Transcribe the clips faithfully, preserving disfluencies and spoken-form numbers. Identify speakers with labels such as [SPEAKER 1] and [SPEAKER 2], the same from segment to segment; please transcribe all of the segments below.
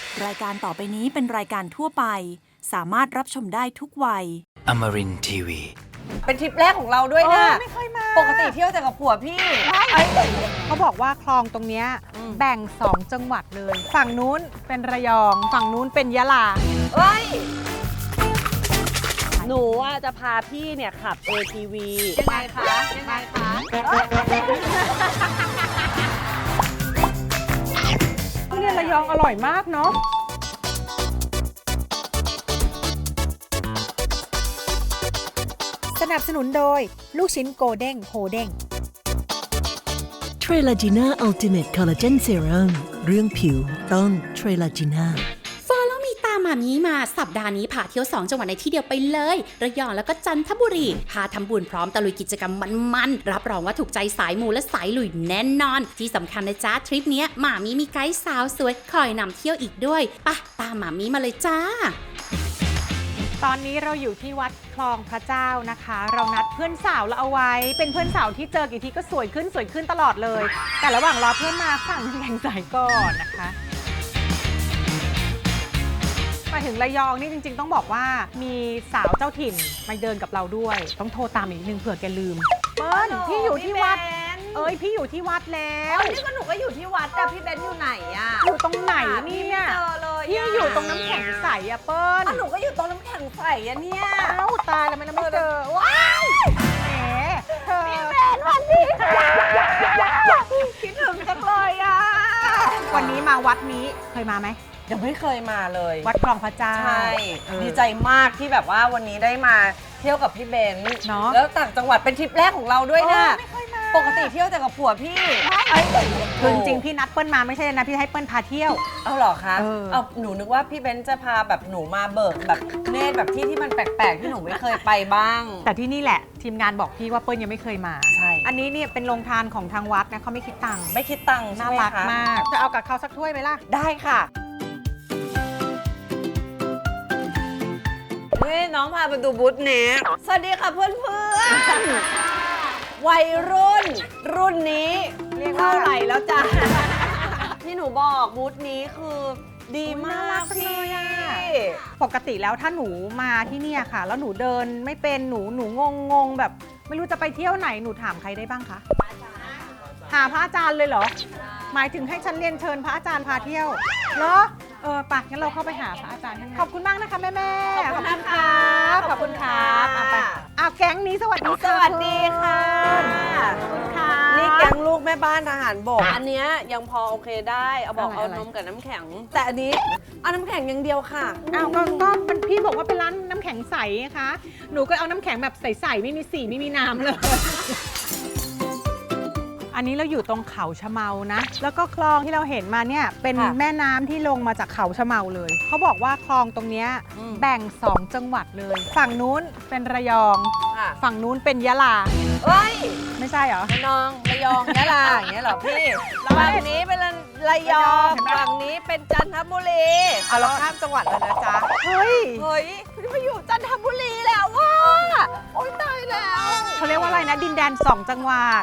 [SPEAKER 1] รายการต่อไปนี้เป็นรายการทั่วไปสามารถรับชมได้ทุกวัย
[SPEAKER 2] Amarin ที วี
[SPEAKER 3] เป็นทริปแรกของเราด้วยนะ
[SPEAKER 4] ไม่เคยมา
[SPEAKER 3] ปกติเที่ยวแต่กับผัวพี่
[SPEAKER 4] เขาบอกว่าคลองตรงเนี้ยแบ่งสองจังหวัดเลย ฝั่งนู้นเป็นระยอง ฝั่งนู้นเป็นยะลา
[SPEAKER 3] เฮ้ย
[SPEAKER 5] หนูอ่ะจะพาพี่เนี่ยขับ เอ ที วี
[SPEAKER 3] ยังไงคะ ยังไงคะ
[SPEAKER 4] ทุเรียนระยองอร่อยมากเนาะ สนับสนุนโดยลูกชิ้นโกเด้งโฮเด้ง
[SPEAKER 6] เทรลาจีน่าอัลติเมทคอลลาเจนเซรั่มเรื่องผิวต้องเทรลาจีน่า
[SPEAKER 7] ฟอลแล้วมีตามมามีมาสัปดาห์นี้พาเที่ยวสองจังหวัดในที่เดียวไปเลยระยองแล้วก็จันทบุรีพาทำบุญพร้อมตะลุยกิจกรรมมันๆรับรองว่าถูกใจสายมูและสายลุยแน่นอนที่สำคัญนะจ๊ะทริปเนี้ยหมามีมีไกด์สาวสวยคอยนำเที่ยวอีกด้วยปะตามหมามีมาเลยจ้า
[SPEAKER 4] ตอนนี้เราอยู่ที่วัดคลองพระเจ้านะคะ เรานัดเพื่อนสาวเราเอาไว้ เป็นเพื่อนสาวที่เจอกี่ทีก็สวยขึ้นสวยขึ้นตลอดเลย แต่ระหว่างรอเพื่อนมาสั่งน้ำแข็งใสก่อนนะคะมาถึงระยองนี่จริงๆต้องบอกว่ามีสาวเจ้าถิ่นมาเดินกับเราด้วย ต้องโทรตามอีกนิดนึงเผื่อแกลืมเปิ้ลพี่อยู่ที่วัดเอ้ยพี่อยู่ที่วัดแล้ว
[SPEAKER 3] นี่ก็หนูก็อยู่ที่วัดแต่พี่เบนอยู่ไหนอะ
[SPEAKER 4] อยู่ตรงไหนนี่เนี่ย
[SPEAKER 3] เจอเลย
[SPEAKER 4] พี่อยู่ตรงน้ำแข็งใสอะเปิ้ล
[SPEAKER 3] อ้าวหนูก็อยู่ตรงน้ำแข็งใสอะเนี่ย
[SPEAKER 4] เอ้าตายแล้วไม่ไม่เจอว้าวแหมเธอ
[SPEAKER 3] พี่เบนวันนี้ค่ะคิดถึงจังเลยอะ
[SPEAKER 4] วันนี้มาวัดนี้เคยมาไหม
[SPEAKER 3] ยังไม่เคยมาเลย
[SPEAKER 4] วัดคลองพระเจ้า
[SPEAKER 3] ใช่
[SPEAKER 4] เออ
[SPEAKER 3] ดีใจมากที่แบบว่าวันนี้ได้มาเที่ยวกับพี่เบน
[SPEAKER 4] เนอะ
[SPEAKER 3] แล้วต่างจังหวัดเป็นทริปแรกของเราด้วยนะ
[SPEAKER 4] เออไม่เคยมา
[SPEAKER 3] ปกติเที่ยวแต่กับผัวพี่
[SPEAKER 4] คือจริงๆพี่นัดเปิ้ลมาไม่ใช่นะพี่ให้เปิ้ลพาเที่ยว
[SPEAKER 3] เอาเหรอคะ
[SPEAKER 4] เออ
[SPEAKER 3] เอาหนูนึกว่าพี่เบนจะพาแบบหนูมาเบิกแบบเนตรแบบที่ที่มันแปลกๆที่หนูไม่เคยไปบ้าง
[SPEAKER 4] แต่ที่นี่แหละทีมงานบอกพี่ว่าเปิ้ลยังไม่เคยมา
[SPEAKER 3] ใช่
[SPEAKER 4] อันนี้เนี่ยเป็นโรงทานของทางวัดนะเขาไม่คิดตังค์
[SPEAKER 3] ไม่คิดตังค์ใช่
[SPEAKER 4] น่า
[SPEAKER 3] ไหม
[SPEAKER 4] รัก
[SPEAKER 3] คะ
[SPEAKER 4] มากจะเอากับเขาสักถ้วยไหมล่ะ
[SPEAKER 3] ได้ค่ะนี่น้องพาไปดูบูธนี้สวัสดีค่ะเพื่อนๆวัยรุ่น รุ่นนี้
[SPEAKER 4] เรียกว่า
[SPEAKER 3] เท่าไหร่แล้วจ้ะ ที่หนูบอกบูธนี้คือดีมากพี่
[SPEAKER 4] ปกติแล้วถ้าหนูมาที่เนี่ยค่ะ แล้วหนูเดินไม่เป็นหนูหนูงงงงๆแบบ ไม่รู้จะไปเที่ยวไหนหนูถามใครได้บ้างคะหาพระอาจารย์เลยเหรอ หมายถึงให้ฉันเรียนเชิญพระอาจารย์พาเที่ยวเหรอเออปะงั้นเราเข้าไปหาพระอาจารย์ข้างในขอบคุณมากนะคะแม่แม่ๆ
[SPEAKER 3] ขอบคุณนะคะ
[SPEAKER 4] ขอบคุณครับเอาไปอ้าวแก๊งนี้สวัสดี
[SPEAKER 3] สวัสดีค่ะ
[SPEAKER 4] ขอบคุณค่ะ
[SPEAKER 3] นี่แกงลูกแม่บ้านทหารบก อันเนี้ยยังพอโอเคได้ เอาบอกเอานมกับน้ำแข็ง แต่อันนี้เอาน้ำแข็งอย่างเดียวค่ะ
[SPEAKER 4] อ้าวก็ก็มันพี่บอกว่าเป็นร้านน้ำแข็งใสนะคะหนูก็เอาน้ำแข็งแบบใสๆไม่มีสีไม่มีน้ำเลย อันนี้เราอยู่ตรงเขาชะเมานะ แล้วก็คลองที่เราเห็นมาเนี่ยเป็น
[SPEAKER 3] ค่ะ
[SPEAKER 4] แม่น้ำที่ลงมาจากเขาชะเมาเลย เขาบอกว่าคลองตรงเนี้ย
[SPEAKER 3] อืม
[SPEAKER 4] แบ่งสองจังหวัดเลย ฝั่งนู้นเป็นระยอง
[SPEAKER 3] ค่ะ
[SPEAKER 4] ฝั่งนู้นเป็นยะลา
[SPEAKER 3] เฮ้ย
[SPEAKER 4] ไม่ใช่เหรอ
[SPEAKER 3] ระนองระยองยะลาอย่างเงี้ยเหรอพี่ฝั่งนี้เป็นระยอง
[SPEAKER 4] เห็นไหม
[SPEAKER 3] ฝั่งนี้เป็นจันทบุรีเอาเราข้ามจังหวัดแล้วนะจ๊ะ
[SPEAKER 4] เฮ้ย
[SPEAKER 3] เฮ้ยมาอยู่จันทบุรีแล้วว่าโอ๊ยตายแล้ว
[SPEAKER 4] เขาเรียกว่าอะไรนะดินแดนสองจังหวัด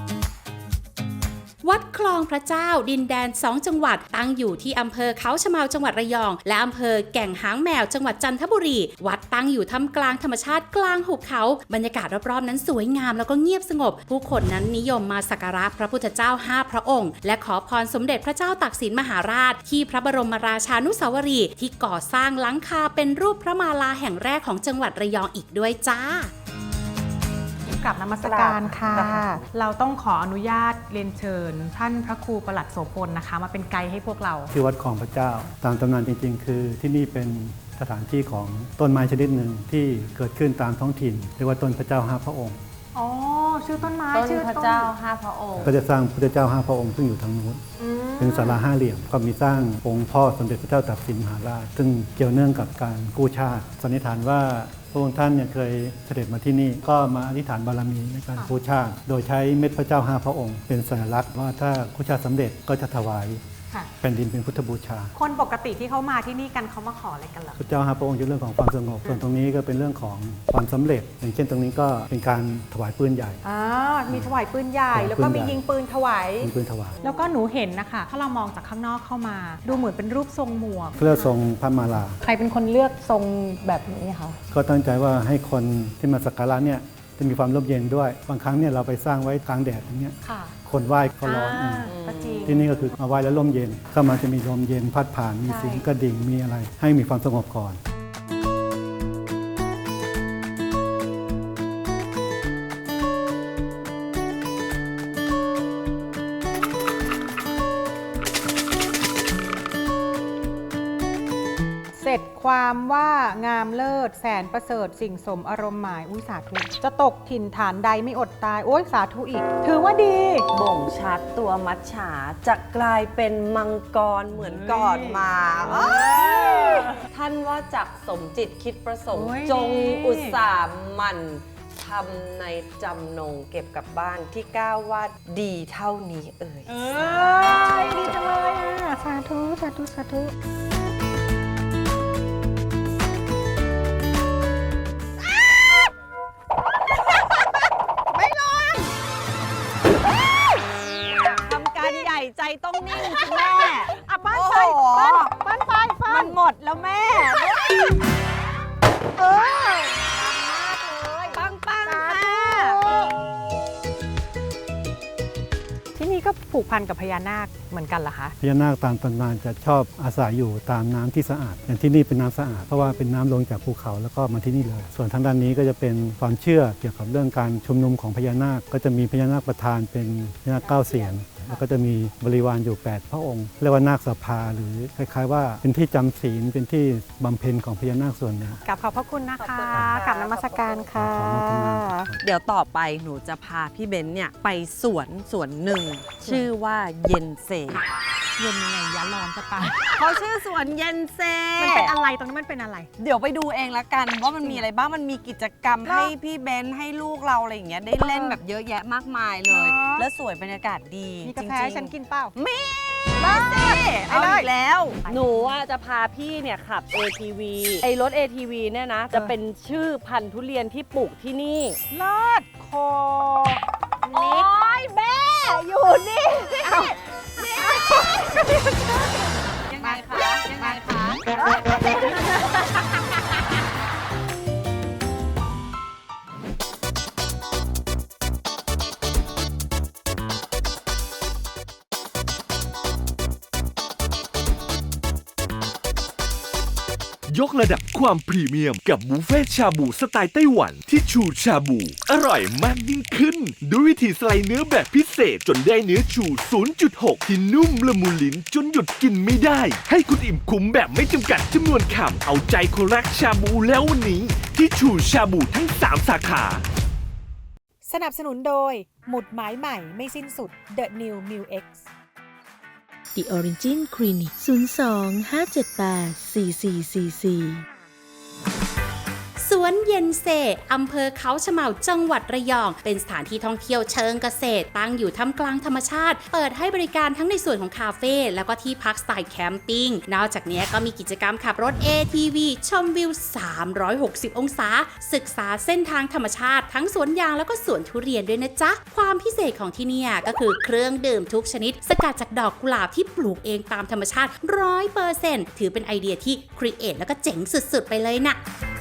[SPEAKER 7] วัดคลองพระเจ้าดินแดนสองจังหวัดตั้งอยู่ที่อำเภอเขาชะเมาจังหวัดระยองและอำเภอแก่งหางแมวจังหวัดจันทบุรีวัดตั้งอยู่ท่ามกลางธรรมชาติกลางหุบเขาบรรยากาศรอบๆนั้นสวยงามแล้วก็เงียบสงบผู้คนนั้นนิยมมาสักการะพระพุทธเจ้าห้าพระองค์และขอพรสมเด็จพระเจ้าตากสินมหาราชที่พระบรมราชานุสาวรีย์ที่ก่อสร้างหลังคาเป็นรูปพระมาลาแห่งแรกของจังหวัดระยองอีกด้วยจ้า
[SPEAKER 4] กลับนมัสการค่ะ เราต้องขออนุญาตเรียนเชิญ ท่านพระครูประหลัดโสพลนะคะ มาเป็นไกด์ให้พวกเรา
[SPEAKER 8] ที่วัดคลองพระเจ้า ตามตำนานจริงๆ คือที่นี่เป็นสถานที่ของต้นไม้ชนิดหนึ่งที่เกิดขึ้นตามท้องถิ่นเรียกว่าต้นพระเจ้าห้าพระองค์
[SPEAKER 4] อ๋อ ชื่อต้นไม้
[SPEAKER 3] ต้น
[SPEAKER 4] ชื่อ
[SPEAKER 3] พระเจ้าห้าพระองค์
[SPEAKER 8] ก็จะสร้างพระเจ้าห้าพระองค์ซึ่งอยู่ทางนู้น
[SPEAKER 4] อืม
[SPEAKER 8] เป็นศาลาห้าเหลี่ยมก็มีสร้างองค์พ่อสมเด็จพระเจ้าตากสินมหาราช ซึ่งเกี่ยวเนื่องกับการกู้ชาติสันนิษฐานว่าพระองค์ท่านเนี่ยเคยเสด็จมาที่นี่ก็มาอธิษฐานบารมีในการกู้ชาติ โดยใช้เม็ดพระเจ้าห้าพระองค์ เป็นสัญลักษณ์ว่าถ้ากู้ชาติสำเร็จก็จะถวาย
[SPEAKER 4] ค่ะ
[SPEAKER 8] แผ่นดินเป็นพุทธบูชา
[SPEAKER 4] คนปกติที่เขามาที่นี่กันเขามาขออะไรกันเหรอ
[SPEAKER 8] พระเจ้าหาพระองค์อยู่เรื่องของความสงบส่วนตรงนี้ก็เป็นเรื่องของความสำเร็จ อย่างเช่นตรงนี้ก็เป็นการถวายปืนใหญ่
[SPEAKER 4] อ่ามีถวายปืนใหญ่ แล้วก็มียิงปืนถวาย
[SPEAKER 8] เป็นปืนถวาย
[SPEAKER 4] แล้วก็หนูเห็นนะคะถ้าเรามองจากข้างนอกเข้ามา ดูเหมือนเป็นรูปทรงหมวก
[SPEAKER 8] เพื่อทรงพระมาลา
[SPEAKER 4] ใครเป็นคนเลือกทรงแบบนี้คะ
[SPEAKER 8] ก็ตั้งใจว่าให้คนที่มาสักการะเนี่ยจะมีความร่มเย็นด้วย บางครั้งเนี่ยเราไปสร้างไว้กลางแดดอย่างเงี้ย
[SPEAKER 4] ค่ะ
[SPEAKER 8] คนไหว้ก็ร้อน
[SPEAKER 4] อ่า
[SPEAKER 8] อืม
[SPEAKER 4] ก็จริง
[SPEAKER 8] ที่นี่ก็คือมาไหว้แล้วร่มเย็นเข้ามาจะมีลมเย็นพัดผ่านมี
[SPEAKER 4] ใช่
[SPEAKER 8] เสียงกระดิ่งมีอะไร ให้มีความสงบก่อน
[SPEAKER 4] เสร็จความว่างามเลิศแสนประเสริฐสิ่งสมอารมณ์หมายอุ้ยสาธุจะตกถิ่นฐานใดไม่อดตาย โอ้ยสาธุอีก ถือว่าดี
[SPEAKER 3] บ่งชัดตัวมัจฉาจะกลายเป็นมังกรเหมือนก่อนมาเอ้ยท่านว่าจักสมจิตคิดประสงค์
[SPEAKER 4] โอ้ย
[SPEAKER 3] จงอุตสาห์หมันทำในจำนงเก็บกลับบ้านที่ก้าวว่าดีเท่านี้เอ่ย
[SPEAKER 4] เอ้ยดีจังเลยอ่ะ สาธุ สาธุ สาธุ
[SPEAKER 3] ทำการใหญ่ใจต้องนิ่งคุณแม่
[SPEAKER 4] อ่ะปั้น
[SPEAKER 3] โอ้
[SPEAKER 4] ไฟ
[SPEAKER 3] โห
[SPEAKER 4] ปั้นปั้นไฟปั้
[SPEAKER 3] มัน นหมดแล้วแม่
[SPEAKER 4] เออ
[SPEAKER 3] ปังปัง
[SPEAKER 4] สา
[SPEAKER 3] ค่ะ
[SPEAKER 4] ธุที่นี่ก็ผูกพันกับพญานาคเหมือนกันเหรอคะ
[SPEAKER 8] พญานาคตามตำนานจะชอบอาศัยอยู่ตามน้ำที่สะอาด อย่างที่นี่เป็นน้ำสะอาดเพราะว่าเป็นน้ำลงจากภูเขาแล้วก็มาที่นี่เลย ส่วนทางด้านนี้ก็จะเป็นความเชื่อเกี่ยวกับเรื่องการชุมนุมของพญานาคก็จะมีพญานาคประธานเป็นพญานาคเก้าเสียนแล้วก็จะมีบริวารอยู่ แปด พระองค์เรียกว่านาคสภาหรือคล้ายๆว่าเป็นที่จำศีลเป็นที่บำเพ็ญของพญานาคส่วนหนึ่ง
[SPEAKER 4] กลับขอบพระคุณนะคะ
[SPEAKER 3] ขอบคุณนะคะ
[SPEAKER 4] กลับนมัสการค่ะ
[SPEAKER 8] ขออนุโมทนาครับ
[SPEAKER 3] เดี๋ยวต่อไปหนูจะพาพี่เบนซ์เนี่ยไปสวนสวนหนึ่ง ชื่อว่าเย็นเซ
[SPEAKER 4] เย็นยังไงยะร้อนจะตาย
[SPEAKER 3] เขาชื่อสวนเย็นเซ
[SPEAKER 4] มันเป็นอะไรตรงนั้นมันเป็นอะไร
[SPEAKER 3] เดี๋ยวไปดูเองละกันว่ามันมีอะไรบ้างมันมีกิจกรรมให้พี่เบนซ์ให้ลูกเราอะไรอย่างเงี้ยได้เล่นแบบเยอะแยะมากมายเลย
[SPEAKER 4] เหรอ
[SPEAKER 3] แล้วสวยบรรยากาศดี
[SPEAKER 4] มีกาแฟ
[SPEAKER 3] จริ
[SPEAKER 4] ให้
[SPEAKER 3] งๆ
[SPEAKER 4] ฉันกินเปล่า
[SPEAKER 3] มีมาสิเอาอีกแล้ว
[SPEAKER 5] หนูอ่ะจะพาพี่เนี่ยขับ เอ ที วี ไอ้รถ เอ ที วี เนี่ยนะ จะเป็นชื่อพันธุ์ทุเรียนที่ปลูกที่นี่
[SPEAKER 4] เลิศโค
[SPEAKER 3] โอ้ยแม่อยู่นี่ยังไงคะยังไงคะ
[SPEAKER 2] ยกระดับความพรีเมียมกับบุฟเฟ่ชาบูสไตล์ไต้หวันที่ชูชาบู อร่อยมากยิ่งขึ้น ด้วยวิธีสไลด์เนื้อแบบพิเศษจนได้เนื้อชู ศูนย์จุดหก ที่นุ่มละมุนลิ้นจนหยุดกินไม่ได้ ให้คุณอิ่มคุ้มแบบไม่จำกัดจำนวนคำเอาใจคนรักชาบูแล้ววันนี้ ที่ชูชาบูทั้งสามสาขา
[SPEAKER 9] สนับสนุนโดย หมุดหมายใหม่ไม่สิ้นสุด The New m i l X
[SPEAKER 6] The Origin Clinic ศูนย์ สอง ห้า เจ็ด แปด สี่ สี่ สี่ สี่
[SPEAKER 7] สวนเย็นเซอำเภอเขาชะเมาจังหวัดระยอง เป็นสถานที่ท่องเที่ยวเชิงเกษตร ตั้งอยู่ท่ามกลางธรรมชาติ เปิดให้บริการทั้งในส่วนของคาเฟ่แล้วก็ที่พักสไตล์แคมปิ้ง นอกจากนี้ก็มีกิจกรรมขับรถ เอ ที วี ชมวิว สามร้อยหกสิบ องศา ศึกษาเส้นทางธรรมชาติ ทั้งสวนยางแล้วก็สวนทุเรียนด้วยนะจ๊ะ ความพิเศษของที่เนี่ยก็คือเครื่องดื่มทุกชนิด สกัดจากดอกกุหลาบที่ปลูกเองตามธรรมชาติ ร้อยเปอร์เซ็นต์ ถือเป็นไอเดียที่ครีเอทแล้วก็เจ๋งสุดๆไปเลยนะ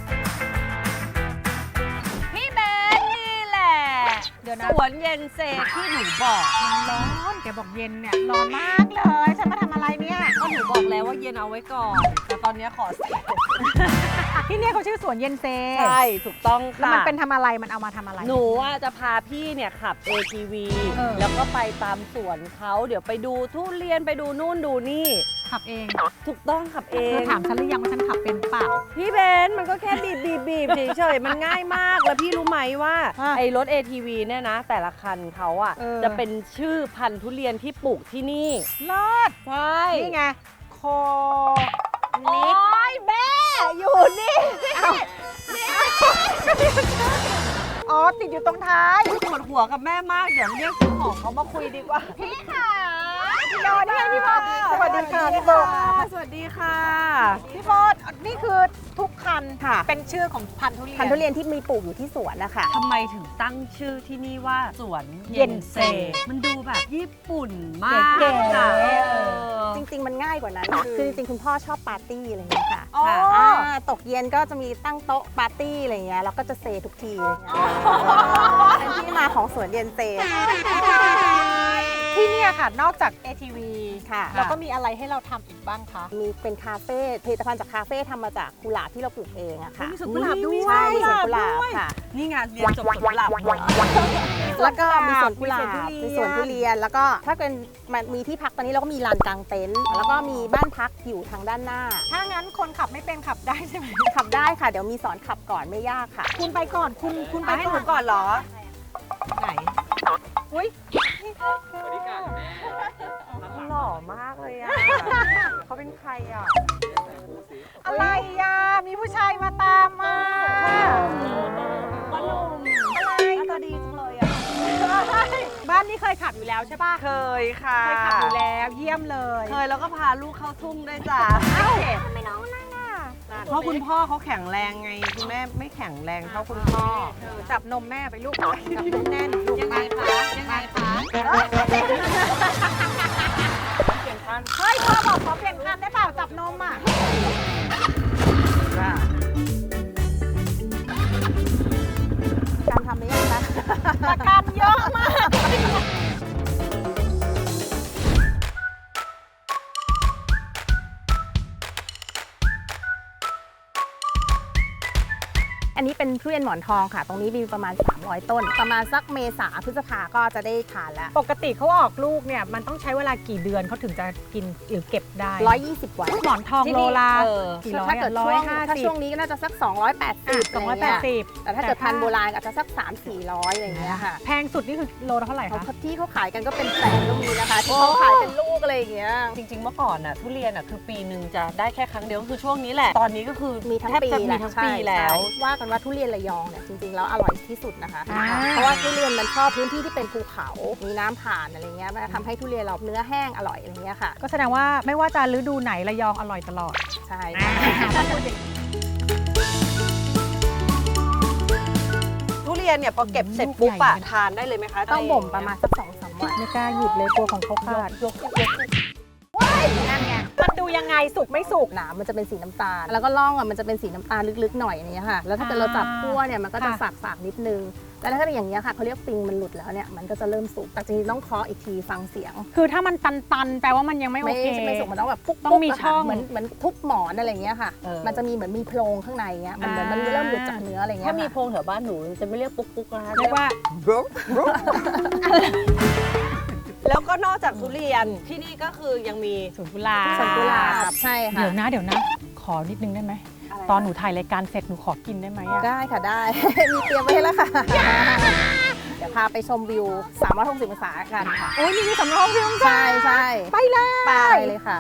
[SPEAKER 3] พี่เบนซ์นี่แหละ
[SPEAKER 4] เดี๋ยวนะ
[SPEAKER 3] สวนเย็นเซที่หนูบอก
[SPEAKER 4] มันร้อนแกบอกเย็นเนี่ย ร้อนมากเลย ฉันมาทำอะไรเนี่ย
[SPEAKER 3] ก็หนูบอกแล้วว่าเย็นเอาไว้ก่อน แต่ตอนนี้ขอเสร็จ
[SPEAKER 4] ที่เนี่ยเขาชื่อสวนเย็นเซ
[SPEAKER 5] ใช่ถูกต้อง
[SPEAKER 4] แล้ว
[SPEAKER 5] ค่ะ
[SPEAKER 4] มันเป็นทำอะไร มันเอามาทำอะไร
[SPEAKER 5] หนูอ่ะจะพาพี่เนี่ยขับ เอ ที วี
[SPEAKER 4] เออ
[SPEAKER 5] แล้วก็ไปตามสวนเขาเดี๋ยวไปดูทุเรียนไปดูนู่นดูนี่
[SPEAKER 4] ขับเอง
[SPEAKER 5] ถูกต้องขับเอ
[SPEAKER 4] เธอง ถามฉันหรือยังว่าฉันขับเป็นเปล่า
[SPEAKER 5] พี่เบนซ์มันก็แค่บีบบีบบีบเฉยๆ มันง่ายมาก แล้วพี่รู้ไหมว่า
[SPEAKER 4] อ่ะ
[SPEAKER 5] ไอ้รถ เอ ที วี เนี่ยนะ แต่ละคันเขาอ่ะ
[SPEAKER 4] เออ
[SPEAKER 5] จะเป็นชื่อพันธุ์ทุเรียนที่ปลูกที่นี่
[SPEAKER 4] เลิศ
[SPEAKER 5] ใช่
[SPEAKER 4] นี่ไง โค
[SPEAKER 3] โอ้ยแม่อยู่นี่
[SPEAKER 4] อ๋อ ติดอยู่ตรงท้าย
[SPEAKER 3] ปวดหัวกับแม่มาก เดี๋ยวเรียกเจ้าของเขามาคุยดีกว่า
[SPEAKER 4] พี่ค่ะพี่โบนี่ไงพี่โบสวัสดีค่ะพี่โบ
[SPEAKER 5] สวัสดีค่ะ
[SPEAKER 4] พี่โบนี่คือทุกคันค่ะเป็นชื่อของพันธุ์ทุเรียน
[SPEAKER 3] พันธุ์ทุเรียนที่มีปลูกอยู่ที่สวนนะคะ
[SPEAKER 5] ทำไมถึงตั้งชื่อที่นี่ว่าสวน
[SPEAKER 4] เย็นเซ
[SPEAKER 5] มันดูแบบญี่ปุ่นมาก
[SPEAKER 4] เก๋ๆ
[SPEAKER 5] ค่ะเออ
[SPEAKER 3] จริงๆ มันง่ายกว่านั้น คือจริงๆ คุณพ่อชอบปาร์ตี้อะไรอย่างเงี้ยค่ะ
[SPEAKER 4] อ๋อ
[SPEAKER 3] ค่ะอ่าตกเย็นก็จะมีตั้งโต๊ะปาร์ตี้อะไรอย่างเงี้ยแล้วก็จะเซทุกทีอะไรอย่างเงี้ยเป็นที่มาของสวนเย็นเซ
[SPEAKER 4] ที่เนี่ยค่ะนอกจาก เอ ที วี
[SPEAKER 3] ค่ะ
[SPEAKER 4] แล้วก็มีอะไรให้เราทำอีกบ้างคะ
[SPEAKER 3] มีเป็นคาเฟ่ผลิตภัณฑ์จากคาเฟ่ทำมาจากกุหลาบที่เราปลูกเองอะค่ะ
[SPEAKER 5] มีสวนกุหลาบด้วย
[SPEAKER 3] ใช่มีสวนกุหลาบค่ะ
[SPEAKER 5] นี่งานเรียนจบสวนกุหลาบมา
[SPEAKER 3] แล้วก็มีสวนกุหลาบ
[SPEAKER 5] มี
[SPEAKER 3] มี
[SPEAKER 5] ส
[SPEAKER 3] ส
[SPEAKER 5] ว
[SPEAKER 3] วน น
[SPEAKER 5] ทุ
[SPEAKER 3] ทุ
[SPEAKER 5] เรี
[SPEAKER 3] เรี
[SPEAKER 5] ย
[SPEAKER 3] ย
[SPEAKER 5] น
[SPEAKER 3] น แล้วก็ถ้าเป็นมันมีที่พักตอนนี้เราก็มีลานกลางเต็นท์แล้วก็มีบ้านพักอยู่ทางด้านหน้า
[SPEAKER 4] ถ้างั้นคนขับไม่เป็นขับได้ใช่ไหม
[SPEAKER 3] ขับได้ค่ะ เดี๋ยวมีสอนขับก่อนไม่ยากค่ะ
[SPEAKER 4] คุณไปก่อนคุณคุณไป
[SPEAKER 5] ไปให้ห
[SPEAKER 4] ก่
[SPEAKER 5] นู
[SPEAKER 4] อน
[SPEAKER 5] ก่อนเหรอ ไหน
[SPEAKER 4] อุ้ย
[SPEAKER 5] หล่อมากเลยอ่ะ เขาเป็นใครอ่ะ
[SPEAKER 4] อะไรอ่ะมีผู้ชายมาตามมา
[SPEAKER 5] พ่อหนุ่ม
[SPEAKER 4] อะไร
[SPEAKER 5] หน้าตาดีจังเลยอ่ะ
[SPEAKER 4] บ้านนี้เคยขับอยู่แล้วใช่ป่ะ
[SPEAKER 5] เคยค่ะ
[SPEAKER 4] เคยขับอยู่แล้วเยี่ยมเลย
[SPEAKER 5] เคยแล้วก็พาลูกเข้าทุ่งด้วยจ้ะ
[SPEAKER 4] เอ้า
[SPEAKER 5] เพราะคุณพ่อเขาแข็งแรงไง คุณแม่ไม่แข็งแรงเท่าคุณพ่อ
[SPEAKER 4] จับนมแม่ไปลูกจับนมแน่นลูก
[SPEAKER 5] ยังไงคะ ยังไงคะ
[SPEAKER 4] เฮ้ยพ่อบอกขอเปลี่ยนคันได้เปล่าจับนมอ่ะ
[SPEAKER 3] การทำได้ยังคะ
[SPEAKER 4] ประกันเยอะมาก
[SPEAKER 3] อันนี้เป็นทุเรียนหมอนทองค่ะ ตรงนี้มีประมาณสามร้อยต้น ประมาณสักเมษาพฤษภาก็จะได้ทานแล้ว
[SPEAKER 4] ปกติเขาออกลูกเนี่ยมันต้องใช้เวลากี่เดือนเขาถึงจะกินหรือเก็บได้
[SPEAKER 3] ร้อยยี่สิบวัน
[SPEAKER 4] หมอนทองโลละ
[SPEAKER 3] เออ
[SPEAKER 4] กี่ร้อย
[SPEAKER 3] ถ้าเกิด
[SPEAKER 4] ร้
[SPEAKER 3] ช่
[SPEAKER 4] อ
[SPEAKER 3] วย ง
[SPEAKER 4] ห้า
[SPEAKER 3] ถ้า
[SPEAKER 4] สิบ
[SPEAKER 3] ช่วงนี้ก็น่าจะสักสองร้อยแปดสิบ
[SPEAKER 4] สองร้อยแปดสิบ
[SPEAKER 3] แต่ถ้าเกิดพันธุ์โบราณอาจจะสักสามสี่ร้อยอะไรอย่างเงี้ยค่ะ
[SPEAKER 4] แพงสุดนี่คือโลละเท่าไหร่
[SPEAKER 3] เขา
[SPEAKER 4] คะ
[SPEAKER 3] ที่เขาขายกันก็เป็นแสนก็มีนะคะ ที่เขาขายเป็นลูกอะไรอย่างเงี้ย
[SPEAKER 5] จริงๆ เมื่อก่อนน่ะทุเรียนอ่ะคือปีหนึ่งจะได้แค่ครั้งเดียวก็คือช่วงนี้แหละ ตอนนี้ก็คือ
[SPEAKER 3] มีทั้ง
[SPEAKER 5] แทบ
[SPEAKER 3] ปี
[SPEAKER 5] จะมี
[SPEAKER 3] แหละ
[SPEAKER 5] ทั้ง
[SPEAKER 3] ใช่
[SPEAKER 5] ปีแล้ว
[SPEAKER 3] ใช่ว่ากันว่าทุเรียนระยองเนี่ยจริงๆแล้วอร่อยที่สุดนะคะ
[SPEAKER 4] อ่า
[SPEAKER 3] เพราะว่าทุเรียนมันชอบพื้นที่ที่เป็นภูเขา มีน้ำผ่านอะไรเงี้ยมันทำให้ทุเรียนเราเนื้อแห้งอร่อยอะไรเงี้ยค่ะ
[SPEAKER 4] ก็แสดงว่าไม่ว่าจะฤดูไหนระยองอร่อยตลอด
[SPEAKER 3] ใช่
[SPEAKER 5] ทุเรียนเนี่ยพอเก็บเสร็จปุ๊บอะทานได้เลยไหมคะ
[SPEAKER 3] ต้องบ่มประมาณสักสองสามวัน
[SPEAKER 4] ไม่กล้าหยิบเลยกลัวของเขาขาด
[SPEAKER 5] ยกยกยก
[SPEAKER 4] นั่นไงมันดูยังไงสุกไม่สุก
[SPEAKER 3] หนามมันจะเป็นสีน้ำตาล แล้วก็ล่องอ่ะมันจะเป็นสีน้ำตาลลึกๆหน่อยอย่างเงี้ยค่ะ แล้วถ้าเกิดเราจับคั่วเนี่ยมันก็จะ
[SPEAKER 4] ค่ะ
[SPEAKER 3] ฝากๆนิดนึง แล้วถ้าเป็นอย่างเงี้ยค่ะเขาเรียกปิงมันหลุดแล้วเนี่ยมันก็จะเริ่มสุกแต่จริงๆต้องเคาะอีกทีฟังเสียง
[SPEAKER 4] คือถ้ามันตันๆแปลว่ามันยังไม่โอ
[SPEAKER 3] ไม่
[SPEAKER 4] เค
[SPEAKER 3] ไม่สุกมันต้องแบบปุ๊ก
[SPEAKER 4] ต้องมี
[SPEAKER 3] ปุ๊กะ
[SPEAKER 4] ช่
[SPEAKER 3] ค่ะ
[SPEAKER 4] อง
[SPEAKER 3] เหมือนเหมือนทุบหมอนอะไรอย่างเงี้ยค่ะ มันจะมีเหมือนมีโพรงข้างในเงี้ยมันเหมือนมันเริ่มหลุดจากเนื้ออะไรเงี้ย
[SPEAKER 5] ถ้ามี
[SPEAKER 3] ค่ะ
[SPEAKER 5] โพรงแถวบ้านหนูจะไม่เรียกปุ๊กปุ๊กนะคะ
[SPEAKER 4] เรียกว่า
[SPEAKER 5] แล้วก็นอกจากทุเรียนที่นี่ก็คือยังมี
[SPEAKER 4] สวนกุหลาบ
[SPEAKER 3] สวนกุหลาบใช่ค่ะ
[SPEAKER 4] เดี๋ยวนะเดี๋ยวนะ ขอนิดนึงได้ไหม ตอนหนูถ่ายรายการเสร็จหนูขอกินได้ไหมอะ
[SPEAKER 3] ได้ค่ะได้ มีเตรียมไว้ให้แล้วค่ะ เดี๋ยวพาไปชมวิวสามร้อยหกสิบองศากันค่ะ
[SPEAKER 4] โอ้ยมีสำรองเพียง
[SPEAKER 3] ใช่ใช่
[SPEAKER 4] ไปเลย
[SPEAKER 3] ไปเลยค่ะ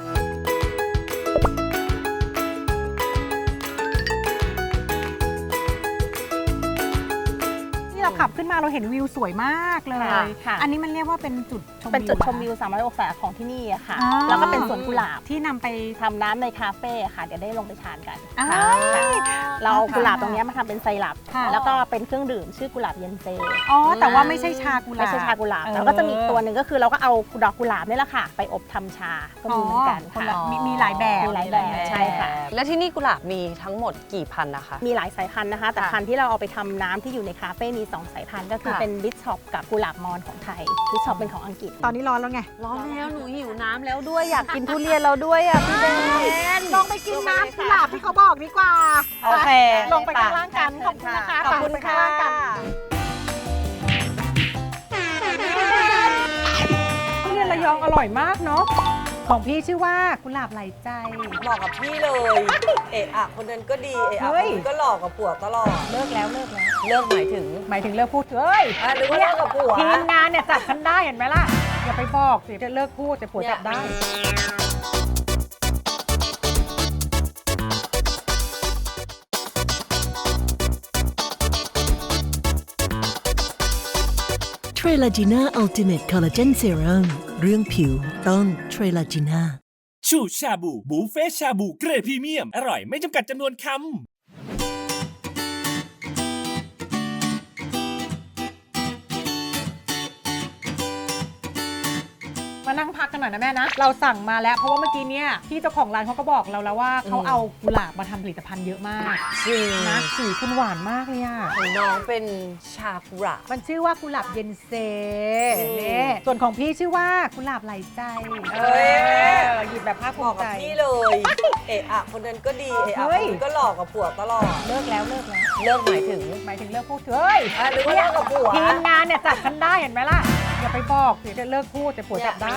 [SPEAKER 4] ที่เราขับขึ้นมาเราเห็นวิวสวยมากเลย
[SPEAKER 3] ค่ะ
[SPEAKER 4] อันนี้มันเรียกว่าเป็นจุดชมวิว
[SPEAKER 3] เป็นจุดชม
[SPEAKER 4] หรอ
[SPEAKER 3] วิวสามร้อยองศาของที่นี่อะค่ะ
[SPEAKER 4] อ๋อ
[SPEAKER 3] แล้วก็เป็นสวนกุหลาบ
[SPEAKER 4] ที่นำไป
[SPEAKER 3] ทำน้ำในคาเฟ่ค่ะ เดี๋ยวได้ลงไปทานกัน
[SPEAKER 4] อ้า
[SPEAKER 3] ค่ะ
[SPEAKER 4] ว
[SPEAKER 3] เราเอากุหลาบตรงเนี้ยมาทำเป็นไซรัป
[SPEAKER 4] ค่ะ
[SPEAKER 3] แล้วก็เป็นเครื่องดื่มชื่อกุหลาบเย็นเซ
[SPEAKER 4] อ๋อแต่ว่าไม่ใช่ชากุหลาบ
[SPEAKER 3] ไม่ใช่ชากุหลาบ
[SPEAKER 4] เออ
[SPEAKER 3] แล้วก็จะมีอีกตัวหนึ่งก็คือเราก็เอาดอกกุหลาบนี่แหละค่ะ ไปอบทำชาก็มีเหมือนกัน
[SPEAKER 4] คน
[SPEAKER 3] ค่ะ
[SPEAKER 4] ละมีมีหลายแบบ
[SPEAKER 3] มีหลายแบบใช่ค่ะ
[SPEAKER 5] แล้วที่นี่กุหลาบมีทั้งหมดกี่พันนะคะ
[SPEAKER 3] มีหลายสายพันธุ์นะคะ แต่
[SPEAKER 5] ค่ะ
[SPEAKER 3] พันธุ์ที่เราเอาไปทำน้ำที่อยู่ในคาเฟ่มีสองสายพันธุ์ก็คือ
[SPEAKER 5] ค่ะ
[SPEAKER 3] เป็นบิชอปกับกุหลาบมอนของไทยบิชอปเป็นของอังกฤษ
[SPEAKER 4] ตอนนี้ร้อนแล้วไง
[SPEAKER 5] ร้อนแล้วหนูหิวน้ำแล้วด้วยอยากกินทุเรียนเราด้วยอ่ะพี่เบน
[SPEAKER 4] ลงไปกินน้ำกุหลาบที่เขาบอกดีกว่า
[SPEAKER 5] โอเค
[SPEAKER 4] ลงไปข้างล่างกัน ขอบคุณนะคะ
[SPEAKER 5] ขอบคุณ
[SPEAKER 4] ไปข้า
[SPEAKER 5] ค่ะ
[SPEAKER 4] งล่างกันทุเรียนระยองอร่อยมากเนาะ ของพี่ชื่อว่ากุหลาบไหลใจ
[SPEAKER 5] เหมาะกับพี่เลย เอะอะคนนั้นก็ดี เอะอะ
[SPEAKER 4] เฮ้
[SPEAKER 5] คน
[SPEAKER 4] ย
[SPEAKER 5] นี้ก็หลอกกับผัวตลอด
[SPEAKER 4] เลิกแล้วเลิกแล้ว
[SPEAKER 5] เลิกหมายถึง
[SPEAKER 4] หมายถึงเลิกพูดเฮ้ย
[SPEAKER 5] อ่ะหรือว่าเลิกกับผัว
[SPEAKER 4] ทีมงานเนี่ยจับฉันได้เห็นไหมล่ะ อย่าไปบอกสิจะเลิกพูดแต่ผัวจับได้
[SPEAKER 6] เทรลาจีน่าอัลติเมทคอลลาเจนเซรั่มเรื่องผิวต้องเทรลาจีน่า
[SPEAKER 10] ชูชาบูบุฟเฟ่ชาบูเกรดพรีเมียมอร่อยไม่จำกัดจำนวนคำ
[SPEAKER 4] มานั่งพักกันหน่อยนะแม่นะ เราสั่งมาแล้วเพราะว่าเมื่อกี้เนี่ยพี่เจ้าของร้านเขาก็บอกเราแล้วว่าเขาเอากุหลาบมาทำผลิตภัณฑ์เยอะมาก
[SPEAKER 3] จริง
[SPEAKER 4] นะสีคุณหวานมากเลยอ่ะ
[SPEAKER 3] ของน้องเป็นชากุระ
[SPEAKER 4] มันชื่อว่ากุหลาบเย็นเซนี่ส่วนของพี่ชื่อว่ากุหลาบไหลใจ
[SPEAKER 3] เอ้ย
[SPEAKER 4] เออหยิบแบบภาคภู
[SPEAKER 3] บอก
[SPEAKER 4] มิ
[SPEAKER 3] กั
[SPEAKER 4] ใจ
[SPEAKER 3] บพี่เลย เอะอะคนนั้นก็ดี เอะอะ
[SPEAKER 4] เฮ้
[SPEAKER 3] คน
[SPEAKER 4] ย
[SPEAKER 3] นี้ก็หลอกกับผัวตลอด
[SPEAKER 4] เลิกแล้วเลิกแล้ว
[SPEAKER 3] เลิกหมายถึง
[SPEAKER 4] หมายถึงเลิกพูดเถอะเฮ้ย
[SPEAKER 3] อ่ะหรือว่าเลิกกับผัว
[SPEAKER 4] ทีมงานเนี่ยจับฉันได้เห็นไหมล่ะ อย่าไปบอกเดี๋ยวจะเลิกพูดแต่ผัวจับได้